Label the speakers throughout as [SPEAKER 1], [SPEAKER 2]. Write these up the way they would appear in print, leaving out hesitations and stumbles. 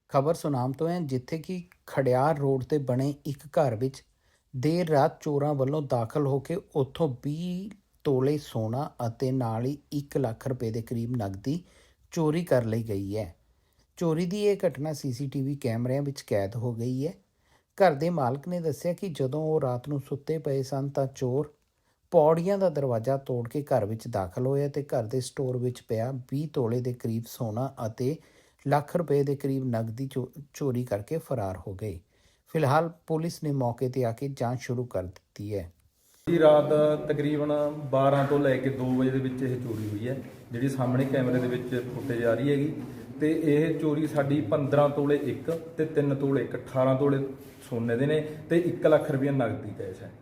[SPEAKER 1] ਖਬਰ ਸੁਨਾਮ ਤੋਂ ਹੈ, ਜਿੱਥੇ ਕਿ ਖੜਿਆਰ ਰੋਡ ਤੇ ਬਣੇ ਇੱਕ ਘਰ ਵਿੱਚ ਦੇਰ ਰਾਤ ਚੋਰਾਂ ਵੱਲੋਂ ਦਾਖਲ ਹੋ ਕੇ ਉੱਥੋਂ 20 ਤੋਲੇ ਸੋਨਾ ਅਤੇ ਨਾਲ ਹੀ 1 ਲੱਖ ਰੁਪਏ ਦੇ ਕਰੀਬ ਨਕਦੀ ਚੋਰੀ ਕਰ ਲਈ ਗਈ ਹੈ। ਚੋਰੀ ਦੀ ਇਹ ਘਟਨਾ ਸੀਸੀਟੀਵੀ ਕੈਮਰਿਆਂ ਵਿੱਚ ਕੈਦ ਹੋ ਗਈ ਹੈ। ਘਰ ਦੇ ਮਾਲਕ ਨੇ ਦੱਸਿਆ ਕਿ ਜਦੋਂ ਉਹ ਰਾਤ ਨੂੰ ਸੁੱਤੇ ਪਏ ਸਨ ਤਾਂ ਚੋਰ ਪੌੜੀਆਂ ਦਾ ਦਰਵਾਜ਼ਾ ਤੋੜ ਕੇ ਘਰ ਵਿੱਚ ਦਾਖਲ ਹੋਇਆ ਤੇ ਘਰ ਦੇ ਸਟੋਰ ਵਿੱਚ ਪਿਆ 20 ਤੋਲੇ ਦੇ ਕਰੀਬ ਸੋਨਾ ਅਤੇ ਲੱਖ ਰੁਪਏ ਦੇ ਕਰੀਬ ਨਕਦੀ ਚੋਰੀ ਕਰਕੇ ਫਰਾਰ ਹੋ ਗਏ। ਫਿਲਹਾਲ ਪੁਲਿਸ ਨੇ ਮੌਕੇ ਤੇ ਆ ਕੇ ਜਾਂਚ ਸ਼ੁਰੂ ਕਰ ਦਿੱਤੀ ਹੈ।
[SPEAKER 2] ਰਾਤ ਤਕਰੀਬਨ 12 ਤੋਂ ਲੈ ਕੇ 2 ਵਜੇ ਦੇ ਵਿੱਚ ਇਹ ਚੋਰੀ ਹੋਈ ਹੈ, ਜਿਹੜੀ ਸਾਹਮਣੇ ਕੈਮਰੇ ਦੇ ਵਿੱਚ ਫੁਟੇਜ ਆ ਰਹੀ ਹੈਗੀ। ਤੇ ਇਹ ਚੋਰੀ ਸਾਡੀ 15 ਤੋਲੇ ਇੱਕ ਤੇ 3 ਤੋਲੇ ਇੱਕ 18 ਤੋਲੇ ਸੋਨੇ ਦੇ ਨੇ ਤੇ 1 ਲੱਖ ਰੁਪਏ ਨਗਦੀ ਕੈਸ਼ ਹੈ।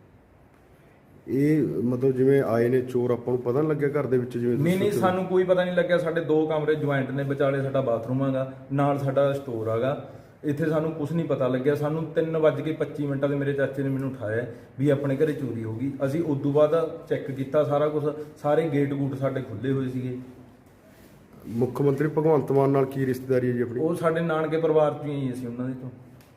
[SPEAKER 3] ਇਹ ਮਤਲਬ ਜਿਵੇਂ ਆਏ ਨੇ ਚੋਰ, ਆਪਾਂ ਨੂੰ ਪਤਾ ਨਹੀਂ ਲੱਗਿਆ ਘਰ ਦੇ ਵਿੱਚ ਜਿਵੇਂ?
[SPEAKER 2] ਨਹੀਂ, ਸਾਨੂੰ ਕੋਈ ਪਤਾ ਨਹੀਂ ਲੱਗਿਆ। ਸਾਡੇ 2 ਕਮਰੇ ਜੁਆਇੰਟ ਨੇ, ਵਿਚਾਲੇ ਸਾਡਾ ਬਾਥਰੂਮ ਹੈਗਾ, ਨਾਲ ਸਾਡਾ ਸਟੋਰ ਹੈਗਾ। ਇੱਥੇ ਸਾਨੂੰ ਕੁਝ ਨਹੀਂ ਪਤਾ ਲੱਗਿਆ। ਸਾਨੂੰ 3:25 ਤੇ ਮੇਰੇ ਚਾਚੇ ਨੇ ਮੈਨੂੰ ਉਠਾਇਆ ਵੀ ਆਪਣੇ ਘਰੇ ਚੋਰੀ ਹੋ ਗਈ। ਅਸੀਂ ਉਸ ਤੋਂ ਬਾਅਦ ਚੈੱਕ ਕੀਤਾ ਸਾਰਾ ਕੁਝ, ਸਾਰੇ ਗੇਟ ਗੂਟ ਸਾਡੇ ਖੁੱਲੇ ਹੋਏ ਸੀਗੇ।
[SPEAKER 3] ਮੁੱਖ ਮੰਤਰੀ ਭਗਵੰਤ ਮਾਨ ਨਾਲ ਕੀ ਰਿਸ਼ਤੇਦਾਰੀ ਹੈ ਜੀ ਆਪਣੀ?
[SPEAKER 2] ਉਹ ਸਾਡੇ ਨਾਨਕੇ ਪਰਿਵਾਰ ਚੋਂ ਹੀ ਅਸੀਂ ਉਹਨਾਂ ਦੇ ਤੋਂ।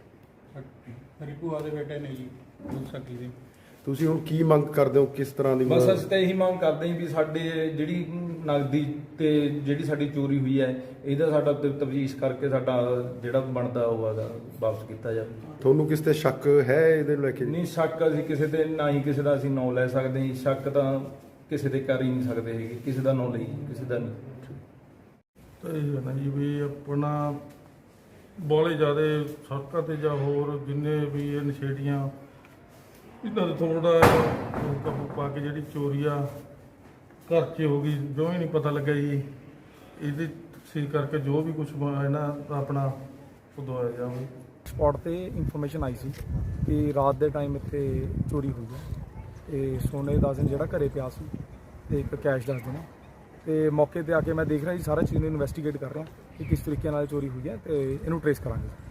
[SPEAKER 4] ਮੇਰੀ ਭੂਆ ਦੇ ਬੇਟੇ ਨੇ ਜੀ, ਸਕੀ ਦੇ।
[SPEAKER 3] ਤੁਸੀਂ ਹੁਣ ਕੀ ਮੰਗ ਕਰਦੇ ਹੋ, ਕਿਸ ਤਰ੍ਹਾਂ ਦੀ?
[SPEAKER 2] ਬਸ ਅਸੀਂ ਤਾਂ ਇਹੀ ਮੰਗ ਕਰਦੇ ਹਾਂ ਵੀ ਸਾਡੇ ਜਿਹੜੀ ਨਗਦੀ ਤੇ ਜਿਹੜੀ ਸਾਡੀ ਚੋਰੀ ਹੋਈ ਹੈ ਇਹਦਾ ਸਾਡਾ ਤਫਤੀਸ਼ ਕਰਕੇ ਸਾਡਾ ਜਿਹੜਾ ਬਣਦਾ ਉਹ ਹੈਗਾ ਵਾਪਸ ਕੀਤਾ ਜਾਵੇ।
[SPEAKER 3] ਤੁਹਾਨੂੰ ਕਿਸ ਤੇ ਸ਼ੱਕ ਹੈ ਇਹਦੇ ਲੈ ਕੇ?
[SPEAKER 2] ਨਹੀਂ, ਸ਼ੱਕ ਅਸੀਂ ਕਿਸੇ ਤੇ ਨਾ ਹੀ ਕਿਸੇ ਦਾ ਅਸੀਂ ਨਾਂ ਲੈ ਸਕਦੇ ਹਾਂ। ਸ਼ੱਕ ਤਾਂ ਕਿਸੇ ਤੇ ਕਰ ਹੀ ਨਹੀਂ ਸਕਦੇ ਹੈਗੇ, ਕਿਸੇ ਦਾ ਨਾਂ ਲਈ ਕਿਸੇ ਦਾ ਨਹੀਂ।
[SPEAKER 4] ਤਾਂ ਇਹ ਹੈ ਨਾ ਜੀ ਵੀ ਆਪਣਾ ਬਾਹਲੇ ਜ਼ਿਆਦਾ ਸੜਕਾਂ ਤੇ ਜਾਂ ਹੋਰ ਜਿੰਨੇ ਵੀ ਇਹ ਨਸ਼ੇੜੀਆਂ, ਇਹਨਾਂ ਦਾ ਥੋੜਾ ਕਾਬੂ ਪਾ ਕੇ ਜਿਹੜੀ ਚੋਰੀ ਆ ਘਰ 'ਚ ਹੋ ਗਈ, ਜੋ ਹੀ ਨਹੀਂ ਪਤਾ ਲੱਗਾ ਜੀ। ਇਹਦੀ ਤਫਸੀਲ ਕਰਕੇ ਜੋ ਵੀ ਕੁਝ ਇਹਨਾਂ ਦਾ ਆਪਣਾ ਉਹ ਦਵਾਇਆ ਜਾਵੇ।
[SPEAKER 5] ਸਪੌਟ ਤੇ ਇਨਫੋਰਮੇਸ਼ਨ ਆਈ ਸੀ ਕਿ ਰਾਤ ਦੇ ਟਾਈਮ ਇੱਥੇ ਚੋਰੀ ਹੋਈ ਹੈ ਤੇ ਸੋਨੇ ਦਾ ਦਿਨ ਜਿਹੜਾ ਘਰੇ ਪਿਆ ਸੀ ਤੇ ਇੱਕ ਕੈਸ਼ ਦਾ ਦਿਨ। ਤੇ ਮੌਕੇ ਤੇ ਆ ਕੇ ਮੈਂ ਦੇਖ ਰਿਹਾ ਜੀ ਸਾਰਾ ਚੀਜ਼ ਨੂੰ ਇਨਵੈਸਟੀਗੇਟ ਕਰ ਰਿਹਾ ਕਿ ਕਿਸ ਤਰੀਕੇ ਨਾਲ ਚੋਰੀ ਹੋਈ ਹੈ ਤੇ ਇਹਨੂੰ ਟਰੇਸ ਕਰਾਂਗੇ।